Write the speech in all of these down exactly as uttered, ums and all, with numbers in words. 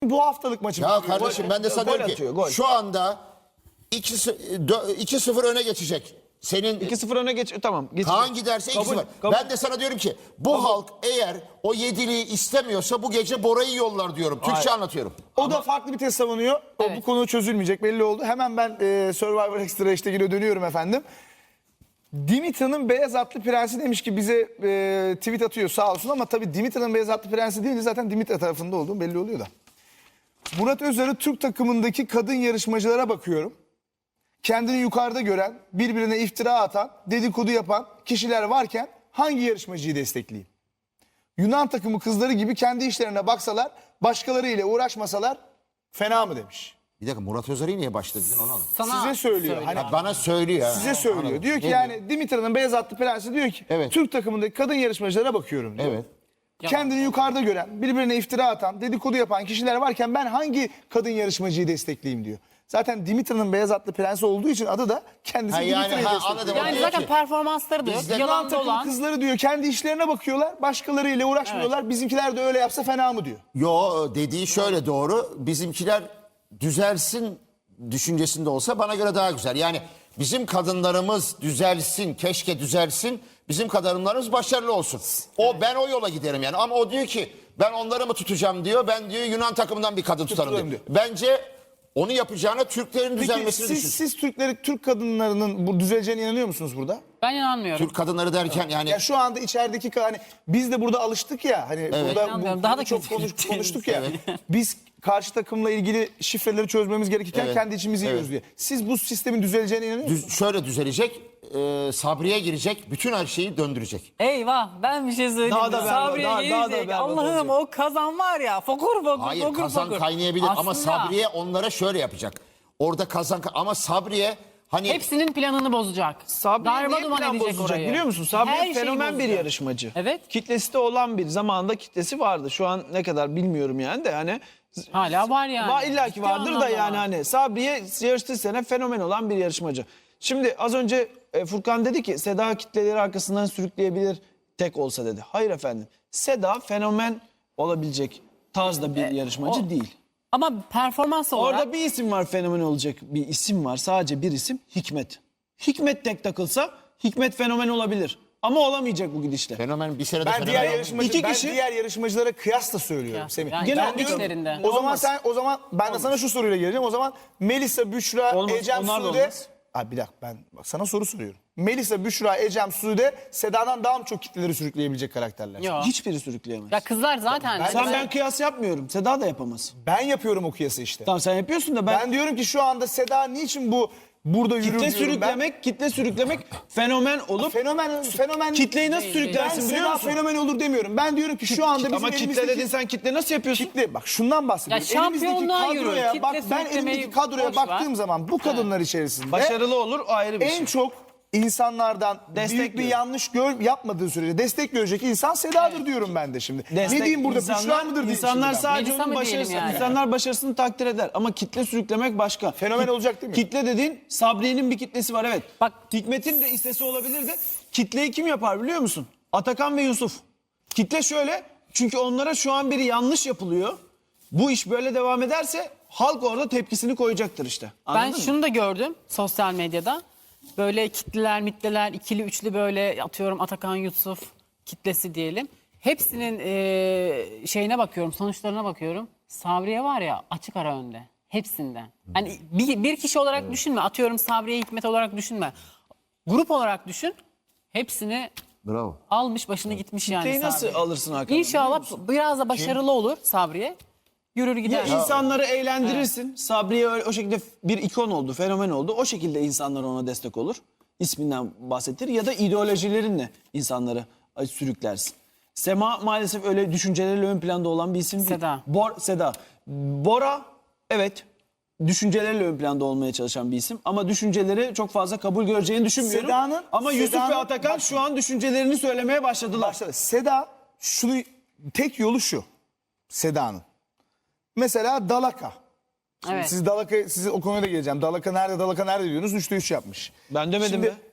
Bu haftalık maçı. Ya kardeşim ben de sana Gol diyorum atıyor, ki gol. şu anda iki sıfır öne geçecek. Senin iki sıfır öne geç tamam. Geçecek. Kaan giderse iki Kabul, sıfır. kabul. Ben de sana diyorum ki bu halk eğer o yediliği istemiyorsa bu gece Bora'yı yollar diyorum. Türkçe Hayır. anlatıyorum. O da farklı bir test savunuyor. O, Evet. Bu konu çözülmeyecek belli oldu. Hemen ben e, Survivor Extra iştegine dönüyorum efendim. Dimitra'nın beyaz atlı prensi demiş ki bize e, tweet atıyor sağ olsun ama tabii Dimitra'nın beyaz atlı prensi deyince zaten Dimitra tarafında olduğum belli oluyor da. Murat Özer'in Türk takımındaki kadın yarışmacılara bakıyorum. Kendini yukarıda gören, birbirine iftira atan, dedikodu yapan kişiler varken hangi yarışmacıyı destekleyeyim? Yunan takımı kızları gibi kendi işlerine baksalar, başkalarıyla uğraşmasalar fena mı demiş. Bir dakika Murat Özer'i niye başladın onu anlamadım. Sana Size söylüyor. söylüyor. Hani Ha, bana söylüyor. ha. size söylüyor. Anladım. Diyor ki Ne yani Dimitra'nın beyaz atlı prensi diyor ki Evet. Türk takımındaki kadın yarışmacılara bakıyorum diyor. Evet. Kendini yukarıda gören, birbirine iftira atan, dedikodu yapan kişiler varken ben hangi kadın yarışmacıyı destekleyeyim diyor. Zaten Dimitra'nın beyaz atlı prensi olduğu için adı da kendisi Ha, yani, Dimitra'yı ha, destekliyor. anladım. Yani Diyor zaten ki, performansları da yok. bizde Yunan Yalan takım dolan. kızları diyor kendi işlerine bakıyorlar, başkalarıyla uğraşmıyorlar. Bizimkiler de öyle yapsa fena mı diyor. Yo dediği şöyle doğru. Bizimkiler düzelsin düşüncesinde olsa bana göre daha güzel. Yani bizim kadınlarımız düzelsin, keşke düzelsin. Bizim kadınlarımız başarılı olsun. O ben o yola giderim yani. Ama o diyor ki ben onları mı tutacağım diyor. Ben diyor Yunan takımından bir kadın tutarım diyor. diyor. Bence onu yapacağına Türklerin Peki düzelmesini siz, düşün. siz Türkleri, Türk kadınlarının bu düzeleceğine inanıyor musunuz burada? Ben inanmıyorum. Türk kadınları derken yani Ya şu anda içerideki ka- hani biz de burada alıştık ya hani burada İnanmıyorum. bu, Daha bunu da çok kötü konuş, gideceğiz. konuştuk ya. Biz karşı takımla ilgili şifreleri çözmemiz gerekirken Evet. kendi içimizi yiyoruz diye. Siz bu sistemin düzeleceğine inanıyor musunuz? düz- şöyle düzelecek. E, Sabriye girecek. Bütün her şeyi döndürecek. Eyvah ben bir şey söyleyeyim. Daha da berbat, Sabriye daha- daha da gelecek. berbat Allah'ım olacak. o kazan var ya fokur fokur Hayır fokur kazan fokur. kaynayabilir ama Aslında Sabriye onlara şöyle yapacak. Orada kazan ama Sabriye hani hepsinin planını bozacak. Sabriye Darma niye duman plan edecek bozacak orayı. biliyor musun? Sabriye Her şeyi fenomen bir bozacak. yarışmacı. Evet. Kitlesi de olan bir zamanında kitlesi vardı. Şu an ne kadar bilmiyorum yani de hani Hala var yani. var illaki Ciddi vardır da anlamda yani var. hani Sabriye yarıştığı sene fenomen olan bir yarışmacı. Şimdi az önce e, Furkan dedi ki Seda kitleleri arkasından sürükleyebilir tek olsa dedi. Hayır efendim. Seda fenomen olabilecek tarzda bir yarışmacı o- değil. Ama performans olarak Orada bir isim var fenomen olacak bir isim var. Sadece bir isim Hikmet. Hikmet tek takılsa Hikmet fenomen olabilir. Ama olamayacak bu gidişle. fenomen bir senede Ben fenomen diğer oldu. yarışmacı İki ben kişi- diğer yarışmacılara kıyasla söylüyorum Kıyas. Semih. Yani Ben kendi diyorum- içlerinde. O zaman Olmaz. sen o zaman ben de sana şu soruyla geleceğim. O zaman Melisa, Büşra, Olmaz, Ecem, onlar da Sude. olmaz. Abi bir dakika ben bak sana soru soruyorum. Melisa, Büşra, Ecem, Sude Seda'dan daha mı çok kitleleri sürükleyebilecek karakterler? yok. Hiçbiri sürükleyemez. Ya kızlar zaten. Ben- Sen ben- ben kıyas yapmıyorum. Seda da yapamaz. Ben yapıyorum o kıyası işte. Tamam sen yapıyorsun da ben, Ben diyorum ki şu anda Seda niçin bu burada yürür kitle diyorum ben. sürüklemek, kitle sürüklemek fenomen olup Fenomen fenomen kitleyi nasıl Değil, ben sürüklersin biliyor Seda musun? fenomen olur demiyorum. Ben diyorum ki şu anda bizim Ama kitle elimizdeki dedin sen kitle nasıl yapıyorsun? kitle bak şundan bahsediyorum. Ya elimizdeki şampiyonluğa yürü, kadroya kitle bak ben sürüklemeyi elimdeki kadroya boş ver. baktığım zaman bu kadınlar içerisinde Başarılı olur o ayrı bir en şey. çok insanlardan Destek büyük bir görüyor. yanlış gör, yapmadığı sürece destek görecek insan Seda'dır diyorum ben de şimdi. Destek- ne diyeyim burada insanlar- Büşra mıdır diyeyim İnsanlar şimdi ben. sadece Melisa onun mı diyelim başarısını, yani? insanlar başarısını takdir eder ama kitle sürüklemek başka. Fenomen Kit- olacak değil mi? Kitle dediğin Sabriye'nin bir kitlesi var evet. Bak- Hikmet'in de istesi olabilirdi. Kitleyi kim yapar biliyor musun? Atakan ve Yusuf. Kitle şöyle çünkü onlara şu an biri yanlış yapılıyor. Bu iş böyle devam ederse halk orada tepkisini koyacaktır işte. Anladın Ben mı? şunu da gördüm sosyal medyada. Böyle kitleler, mitleler, ikili üçlü böyle atıyorum Atakan Yusuf kitlesi diyelim. Hepsinin eee, şeyine bakıyorum, sonuçlarına bakıyorum. Sabriye var ya açık ara önde. Hepsinden. Hani bir, bir kişi olarak düşünme. Atıyorum Sabriye Hikmet olarak düşünme. Grup olarak düşün. Hepsini Bravo. almış başını gitmiş yani Kitleyi nasıl Sabriye. alırsın Hakan? İnşallah biraz da başarılı olur Sabriye. Yürür Ya gider. insanları eğlendirirsin. Sabriye öyle, o şekilde bir ikon oldu, fenomen oldu. O şekilde insanlar ona destek olur. İsminden bahsettir ya da ideolojilerinle insanları ay, sürüklersin. Sema maalesef öyle düşünceleriyle ön planda olan bir isim değil. Seda. Bor, Seda. Bora evet düşünceleriyle ön planda olmaya çalışan bir isim ama düşünceleri çok fazla kabul göreceğini düşünmüyorum. Seda'nın- ama Yusuf ve Seda'nın- Atakan bak- şu an düşüncelerini söylemeye başladılar. Başladı. Seda şunu tek yolu şu. Seda'nın. Mesela Dalaka. Şimdi Evet. siz Dalaka size o konuya da geleceğim. Dalaka nerede Dalaka nerede diyorsunuz? Üçte üç yapmış. Ben demedim Şimdi- mi?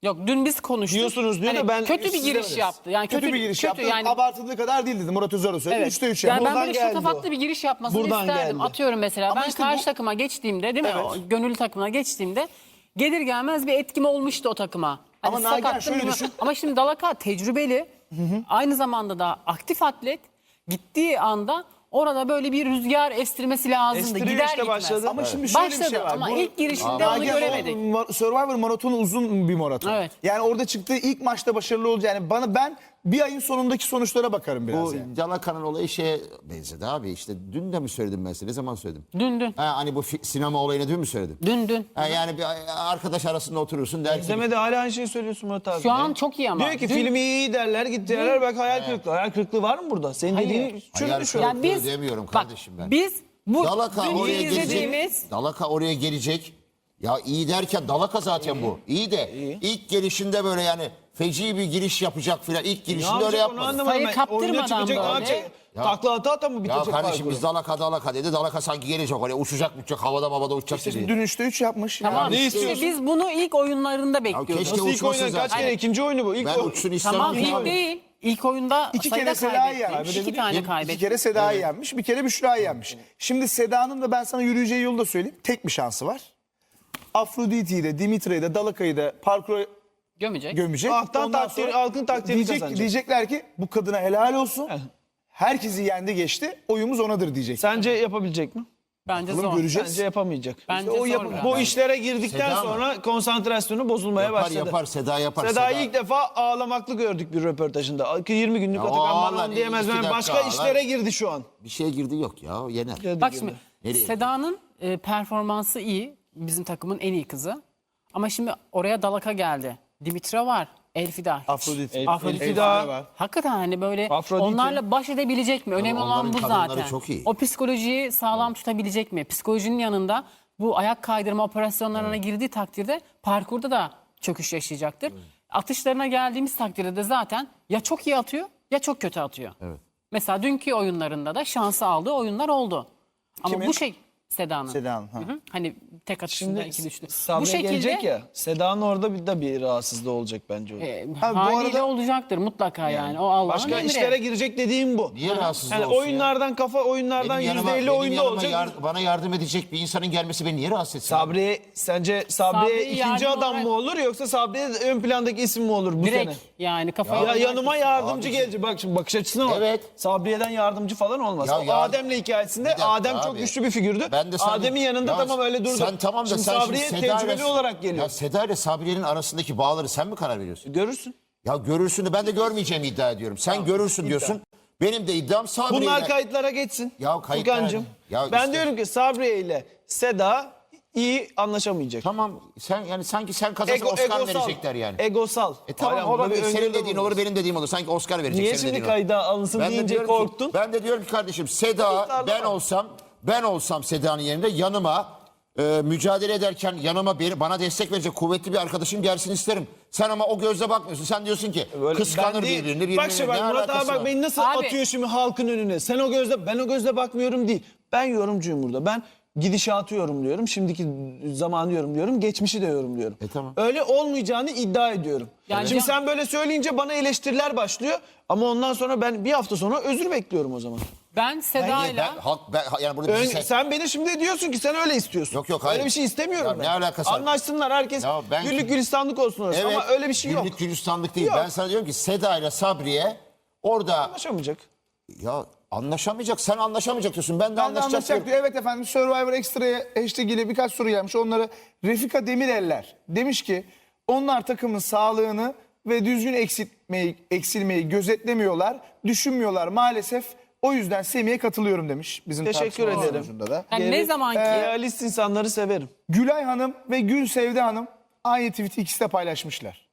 Yok dün biz konuştuk. Diyorsunuz diyor da ben kötü bir siz giriş demediniz. yaptı. Yani Kötü, kötü, bir giriş kötü yaptı. yani. Abartıldığı kadar değil dedi Murat Özer söyledi. Evet. üçte üç Yani yaptı. ben Buradan böyle geldi şatafatlı o. bir giriş yapmasını Buradan isterdim. geldi. Atıyorum mesela Ama ben işte karşı bu- takıma geçtiğimde değil mi? Evet. O gönüllü takımına geçtiğimde gelir gelmez bir etkim olmuştu o takıma. Hani Ama Nagihan sakattım, şöyle bilmem- düşün. Ama şimdi Dalaka tecrübeli. Aynı zamanda da aktif atlet. Gittiği anda orada böyle bir rüzgar estirmesi lazımdı. Estiriyor Gider işte, gitmez. başladı. Ama şimdi şöyle Başladı bir şey var. ama Bu- ilk girişinde onu Nagihan göremedik. o ma- Survivor maratonu uzun bir maraton. Evet. Yani orada çıktığı ilk maçta başarılı olacak. Yani bana ben bir ayın sonundaki sonuçlara bakarım biraz Bu yani. Dalaka'nın olayı şeye benzedi abi. İşte dün de mi söyledim ben size? Ne zaman söyledim? Dün dün. Ha, hani bu fi- sinema olayını dün mü söyledim? Dün dün. Ha, yani bir arkadaş arasında oturursun der ki İzlemede hala aynı şeyi söylüyorsun Murat abi. Şu an çok iyi ama. Diyor ki Dün- filmi iyi derler git derler bak hayal kırıklığı. Hayal kırıklığı var mı burada? Senin Hayır. dediğin Hayal çürümüş şu an. kırıklığı. Yani biz demiyorum bak, kardeşim ben. Biz bu Dalaka dün oraya izlediğimiz gelecek. Dalaka oraya gelecek. Ya iyi derken Dalaka zaten bu. İyi de ilk gelişinde böyle yani feci bir giriş yapacak filan. İlk Ne girişinde öyle yapacak onu yapmadı. anlamadım Sayı ben. kaptırmadan Oyuna çıkacak, ne böyle. yapacak? Ya- Takla ata ata mı Ya bitecek kardeşim parkuru? biz Dalaka Dalaka dedi. Dalaka sanki gelecek oraya uçacak uçacak havada havada uçacak dedi. Dün üçte üç yapmış. Tamam. Yani. Ne işte istiyorsun? biz bunu ilk oyunlarında bekliyorduk. keşke Nasıl ilk uçmasın oyunu? Kaç zaten. kere ikinci oyunu bu? İlk Ben o- uçsun istemem. Tamam ki ilk abi. değil. İlk oyunda İki sayıda kere Seda'yı kaybetti. yenmiş. İki tane İki kaybetti. kere Seda'yı yenmiş. Bir kere Büşra'yı yenmiş. Şimdi Seda'nın da ben sana yürüyeceği yolu da söyleyeyim. Tek bir şansı var. Afrodite'yi de Dimitri'yi de Dalaka'yı da parkura Gömecek. gömecek. Halktan Ondan takdir- sonra halkın takdirini diyecek, kazanacak. Diyecekler ki bu kadına helal olsun. Herkesi yendi geçti. Oyumuz onadır diyecek. Sence yapabilecek mi? Bence Bunu zor. göreceğiz. Bence yapamayacak. Bence o zor. yapı- ya. Bu işlere girdikten Seda mı? sonra konsantrasyonu bozulmaya Yapar başladı. yapar Seda yapar. Seda'yı Seda- ilk defa ağlamaklı gördük bir röportajında. yirmi günlük Ya Atakan o bana ağlar, onu diyemez. iki Ben dakika başka ağlar. işlere girdi şu an. Bir şeye girdi yok ya yener. Bak şimdi Nereye? Seda'nın e, performansı iyi. Bizim takımın en iyi kızı. Ama şimdi oraya Dalaka geldi. Dimitra var. Elfida. hiç. Afrodit. El- Afrodit Elfida daha. var. Hakikaten hani böyle Afrodit'i. onlarla baş edebilecek mi? Önemli olan onların bu kadınları zaten. çok iyi. O psikolojiyi sağlam tutabilecek mi? Psikolojinin yanında bu ayak kaydırma operasyonlarına girdiği takdirde parkurda da çöküş yaşayacaktır. Atışlarına geldiğimiz takdirde de zaten ya çok iyi atıyor ya çok kötü atıyor. Mesela dünkü oyunlarında da şansı aldığı oyunlar oldu. Ama Kimin? bu şey Seda'nın. Seda'nın, ha. Hı hı. Hani tek atışında Şimdi iki düştü. Sabriye Bu şekilde gelecek ya. Seda'nın orada bir de bir rahatsızlığı olacak bence. orada. e, Ha, bu haliyle arada- olacaktır mutlaka yani. O Allah'ın Başka emri. işlere girecek dediğim bu. Niye rahatsız Yani olsun ya? oyunlardan kafa oyunlardan Benim yanıma- yüzde elli benim oyunda yanıma olacak. yar- bana yardım edecek bir insanın gelmesi beni niye rahatsız etsin? Sabriye sence Sabriye Sabriye ikinci yardım adam olarak- mı olur yoksa Sabriye ön plandaki isim mi olur bu Direkt sene? yani kafayı... Ya yanıma yardımcı Abi- gelecek. Bak şimdi bakış açısına bak. Evet. Sabriye'den yardımcı falan olmaz. Ya O yardım- Adem'le hikayesinde Bir dakika Adem çok abi. güçlü bir figürdü. Ben de sana- Adem'in yanında Ya tamam öyle durdu. Sen tamam da şimdi sen Sabriye şimdi Seda tecrübeli ile- olarak geliyor. Ya Seda ile Sabriye'nin arasındaki bağları sen mi karar veriyorsun? Görürsün. Ya görürsün de ben de görmeyeceğimi iddia ediyorum. Sen görürsün diyorsun. Benim de iddiam Sabriye Bunlar ile- kayıtlara geçsin. Ya kayıtlar- Furkancığım, Ya ben işte- diyorum ki Sabriye ile Seda iyi anlaşamayacak. Tamam sen yani sanki sen kazansan Oscar verecekler yani. Egosal. E tamam Hala burada olabilir. bir Senin öngörü dediğin olmaz. olur benim dediğim olur. Sanki Oscar verecek. Niye senin şimdi dediğin kayda alınsın Ben de deyince diyorum ki- korktun? ben de diyorum ki kardeşim Seda Kayıtlarda ben var. olsam ben olsam Seda'nın yerinde yanıma e, mücadele ederken yanıma beni, bana destek verecek kuvvetli bir arkadaşım gelsin isterim. Sen ama o gözle bakmıyorsun. Sen diyorsun ki Böyle- kıskanır ben değil. birbirini. birbirine. Bak şimdi Ne bak Murat alakası abi bak var? beni nasıl Abi- atıyor şimdi halkın önüne. Sen o gözle ben o gözle bakmıyorum değil. Ben yorumcuyum burada. Ben gidişatı yorumluyorum. Şimdiki zamanı yorumluyorum. Geçmişi de yorumluyorum. E tamam. Öyle olmayacağını iddia ediyorum. Yani şimdi can- sen böyle söyleyince bana eleştiriler başlıyor. Ama ondan sonra ben bir hafta sonra özür bekliyorum o zaman. Ben Niye? Seda'yla... Ben, halk, ben, yani burada Ön- bizi sen- sen beni şimdi diyorsun ki sen öyle istiyorsun. Yok, yok, hayır. Öyle bir şey istemiyorum Ya ben. ne alakası var? Anlaşsınlar herkes Ya ben- güllük gülistanlık olsun orası. Evet, Ama öyle bir şey yok. Günlük gülistanlık değil. Yok. Ben sana diyorum ki Seda ile Sabriye orada Anlaşamayacak. ya anlaşamayacak. Sen anlaşamayacak diyorsun. Ben de Ben de anlaşacak. anlaşacak diyorum. diyor. Evet efendim Survivor Extra'ya hashtag ile birkaç soru gelmiş. Onlara Refika Demireller demiş ki onlar takımın sağlığını ve düzgün eksiltmeyi, eksilmeyi gözetlemiyorlar, düşünmüyorlar maalesef. O yüzden Semih'e katılıyorum demiş. Bizim Teşekkür tartışma ederim. sonucunda da. Yani ne Geri- zaman ki... Realist insanları severim. Gülay Hanım ve Gül Sevde Hanım aynı tweet'i ikisi de paylaşmışlar.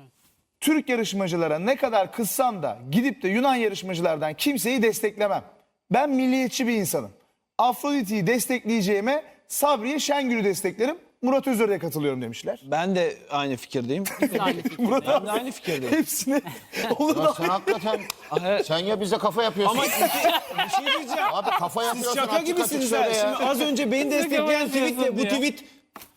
Türk yarışmacılara ne kadar kızsam da gidip de Yunan yarışmacılardan kimseyi desteklemem. Ben milliyetçi bir insanım. Afrodit'i destekleyeceğime Sabriye Şengül'ü desteklerim. Murat Özer'e katılıyorum demişler. Ben de aynı fikirdeyim. Aynı fikir. Murat Ben de abi aynı fikirdeyim. hepsine olur Ya da sen hakikaten Evet. sen ya bize kafa yapıyorsun. Ama bir şey diyeceğim. Abi kafa Siz yapıyorsun. şaka açık açık gibisiniz söyle ha. ya. Şimdi az önce beni destekleyen tweetle bu diyor. tweet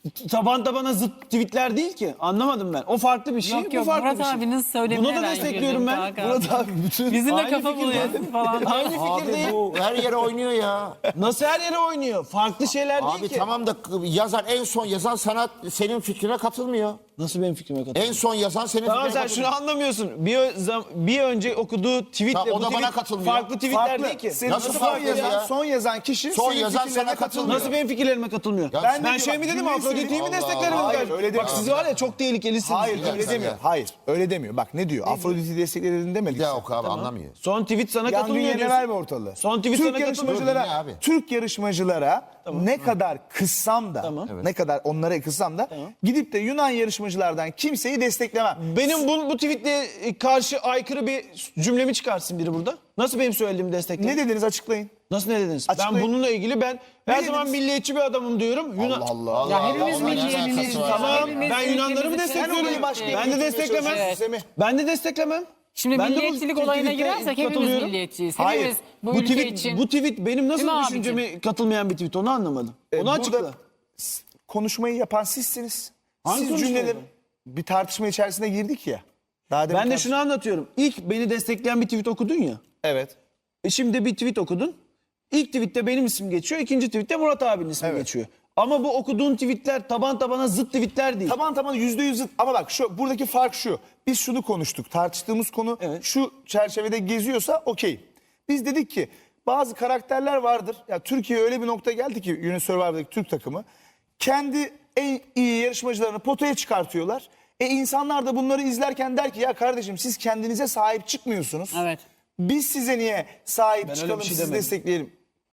taban tabana zıt tweetler değil ki. Anlamadım ben. O farklı bir şey, Yok bu yok farklı Murat bir şey. abinin söylemine Buna da ben destekliyorum güldüm ben. Hakan. Murat abi bütün Bizimle Aynı kafa fikirde. buluyorsun falan. Aynı Abi fikirdeyim. bu her yere oynuyor ya. Nasıl her yere oynuyor? Farklı şeyler değil Abi ki. tamam da yazar en son yazan sanat senin fikrine katılmıyor. Nasıl benim fikrime katılıyor? En son yazan senin Tamam fikrine sen şunu katılmıyor. anlamıyorsun. Bir, ö- zam- bir önce okuduğu tweetle Ha, o bu da bana tweet katılmıyor. farklı tweetler farklı. değil ki. Senin Nasıl son farklı yazan, ya? son yazan kişi Son senin yazan fikirlerine sana katılmıyor. Nasıl benim fikirlerime katılmıyor? Ya ben ben şey de mi bak, dedim cümleyi Afrodit'i mi söyleyeyim. desteklerim? Allah. Hayır, Bak, öyle bak demiyor. siz var ya çok tehlikelisiniz. Hayır dakika öyle demiyor. ya. Hayır öyle demiyor. Bak ne diyor? Afrodit'i destekledin demedik. Bir daha sen. oku abi anlamıyor. Son tweet sana Yangın katılmıyor yerine diyorsun. verme ortalığı. Son tweet Türk sana katılmıyor. yarışmacılara, Dinle abi. Türk yarışmacılara ne kadar kıssam da, Tamam. ne kadar onlara kıssam da gidip de Yunan yarışmacılardan kimseyi desteklemem. Benim bu, bu tweetle karşı aykırı bir cümlemi çıkarsın biri burada. Nasıl benim söylediğimi destekledin? Ne dediniz açıklayın. Nasıl ne dediniz? Ben Açıklayın. bununla ilgili ben her dediniz? zaman milliyetçi bir adamım diyorum. Yunan... Allah Allah. Ya hepimiz Allah, milliyetçiyiz. ne alakası var? Tamam Hepimiz ben Yunanları mı ülkemizi destekliyorum? seviyoruz. başka Ben de ülkemize desteklemem. çalışıyoruz, Semih. Ben de desteklemem. Şimdi Ben de bu milliyetçilik olayına tweet'e girersek hepimiz katılıyorum. milliyetçiyiz. Hayır. Hepimiz bu, Bu ülke tweet, için. bu tweet benim nasıl Değil mi düşünceme abicim? katılmayan bir tweet onu anlamadım. Ee, Onu açıkla. burada s- konuşmayı yapan sizsiniz. Hangi Siz konuşmayı cümleleri yapan? bir tartışma içerisine girdik ya. Daha demin Ben de tartış- şunu anlatıyorum. İlk beni destekleyen bir tweet okudun ya. Evet. E şimdi bir tweet okudun. İlk tweette benim ismim geçiyor. İkinci tweette Murat abinin ismi Evet. geçiyor. Ama bu okuduğun tweetler taban tabana zıt tweetler değil. Taban taban yüzde yüz zıt. Ama bak şu buradaki fark şu. Biz şunu konuştuk. Tartıştığımız konu Evet. şu çerçevede geziyorsa okey. Biz dedik ki bazı karakterler vardır. Ya Türkiye öyle bir nokta geldi ki Union Survivor'daki Türk takımı kendi en iyi yarışmacılarını potaya çıkartıyorlar. E insanlar da bunları izlerken der ki ya kardeşim siz kendinize sahip çıkmıyorsunuz. Evet. Biz size niye sahip öyle çıkalım bir şey sizi demedim. destekleyelim.